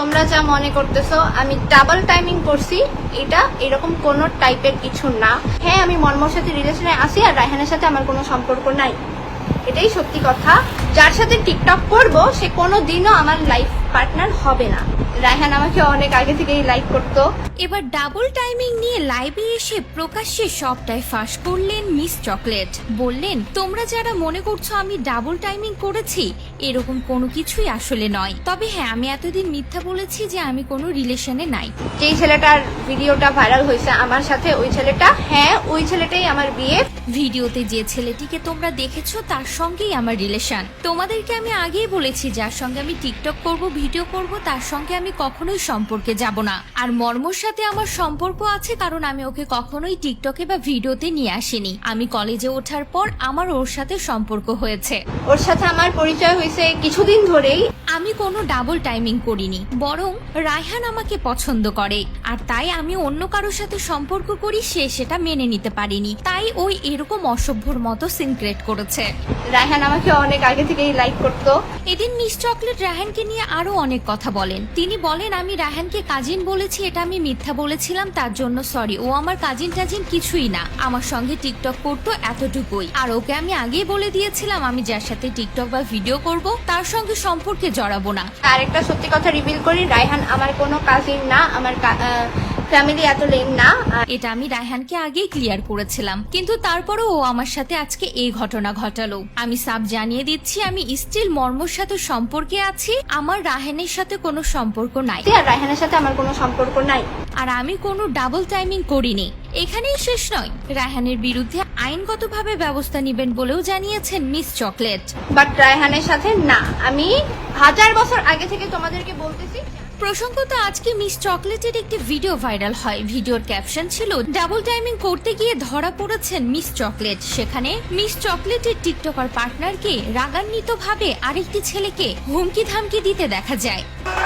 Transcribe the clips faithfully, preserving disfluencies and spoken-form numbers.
তোমরা যা মনে করতেছো আমি ডাবল টাইমিং করছি, এটা এরকম কোনো টাইপের কিছু না। হ্যাঁ, আমি মর্মর সাথে রিলেশনে আছি আর রায়হানের সাথে আমার কোনো সম্পর্ক নাই, এটাই সত্যি কথা। যার সাথে টিকটক করব সে কোনো দিনও আমার লাইফ পার্টনার হবে না। রায়হান আমাকে অনেক আগে থেকেই লাইক করতো। এবার ডাবল টাইমিং নিয়ে লাইভে এসে প্রকাশ্যে সবটাই ফাঁস করলেন মিস চকলেট। বললেন, তোমরা যারা মনে করছো আমি ডাবল টাইমিং করেছি, এরকম কোনো কিছুই আসলে নয়। তবে হ্যাঁ, আমি এতদিন মিথ্যা বলেছি যে আমি কোনো রিলেশনে নাই। যেই ছেলেটার ভিডিওটা ভাইরাল হয়েছে আমার সাথে, ওই ছেলেটা, হ্যাঁ ওই ছেলেটাই আমার বিয়ে। ভিডিওতে যে ছেলেটিকে তোমরা দেখেছো তার সঙ্গেই আমার রিলেশন। তোমাদেরকে আমি আগেই বলেছি যার সঙ্গে আমি টিকটক করব, ভিডিও করব, তার সঙ্গে আমি কখনোই সম্পর্কে যাব না। আর মর্মর সাথে আমার সম্পর্ক আছে কারণ আমি ওকে কখনোই টিকটকে বা ভিডিওতে নিয়ে আসিনি। আমি কলেজে ওঠার পর আমার ওর সাথে সম্পর্ক হয়েছে। ওর সাথে আমার পরিচয় হয়েছে কিছুদিন ধরেই। আমি কোনো ডাবল টাইমিং করিনি, বরং রায়হান আমাকে পছন্দ করে আর তাই আমি অন্য কারোর সাথে সম্পর্ক করি, সে সেটা মেনে নিতে পারিনি, তাই ওই এরকম অসভ্যর মতো সিনক্রেট করেছে। রায়হান আমাকে অনেক আগে থেকেই লাইক করতো। এদিন মিস চকলেট রায়হানকে নিয়ে আরো অনেক কথা বলেন। তিনি বলেন, আমি রায়হানকে কাজিন বলেছি, এটা আমি মিথ্যা বলেছিলাম, তার জন্য সরি। ও আমার কাজিন টাজিন কিছুই না, আমার সঙ্গে টিকটক করতো এতটুকুই। আর ওকে আমি আগেই বলে দিয়েছিলাম আমি যার সাথে টিকটক বা ভিডিও করব তার সঙ্গে সম্পর্কে জড়াবো না। আর একটা সত্যি কথা রিভিল করি, রায়হান আমার কোনো কাজিন না, আমার ফ্যামিলি এত লেন না। এটা আমি রায়হানকে আগেই ক্লিয়ার করেছিলাম, কিন্তু তারপরও ও আমার সাথে আজকে এই ঘটনা ঘটালো। আমি সাব জানিয়ে দিচ্ছি, আমি স্টিল মর্মর সাথে সম্পর্কে আছি, আমার রায়হানের সাথে কোনো সম্পর্ক নাই। আর রায়হানের সাথে আমার কোনো সম্পর্ক নাই। আর আমি কোনো ডাবল টাইমিং করিনি। এখানেই শেষ নয়, রায়হানের বিরুদ্ধে আইনগতভাবে ব্যবস্থা নেবেন বলেও জানিয়েছেন মিস চকলেট। বাট রায়হানের সাথে না, আমি হাজার বছর আগে থেকে তোমাদেরকে বলতেছি। প্রসঙ্গত আজকে মিস চকলেটের একটি ভিডিও ভাইরাল হয়। ভিডিওর ক্যাপশন ছিল, ডাবল টাইমিং করতে গিয়ে ধরা পড়েছেন মিস চকলেট। সেখানে মিস চকলেটের টিকটকার পার্টনারকে রাগান্বিত ভাবে আরেকটি ছেলেকে হুমকি ধামকি দিতে দেখা যায়,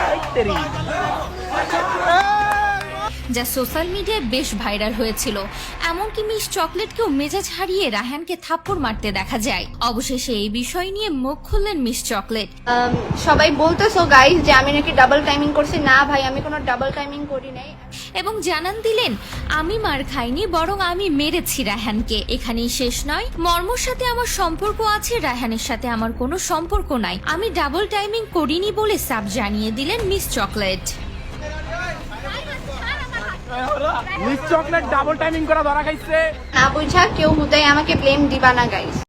যা সোশ্যাল মিডিয়ায় বেশ ভাইরাল হয়েছিল। এমনকি মিস চকলেটকেও মেজাজ হারিয়ে রায়হানকে থাপ্পড় মারতে দেখা যায়। অবশেষে এই বিষয় নিয়ে মুখ খুললেন মিস চকলেট। সবাই বলতেছো গাইস যে আমি নাকি ডাবল টাইমিং করছি, না ভাই আমি কোনো ডাবল টাইমিং করি নাই। এবং জানান দিলেন, আমি মার খাইনি, বরং আমি মেরেছি রায়হানকে। এখানেই শেষ নয়, মর্মর সাথে আমার সম্পর্ক আছে, রায়হানের সাথে আমার কোনো সম্পর্ক নাই। আমি ডাবল টাইমিং করিনি বলে সাব জানিয়ে দিলেন Miss Chocolate. Miss Chocolate double timing করা ধরা খাইছে না বুঝা কেউ হুদাই আমাকে ব্লেম দিবা না গাইস।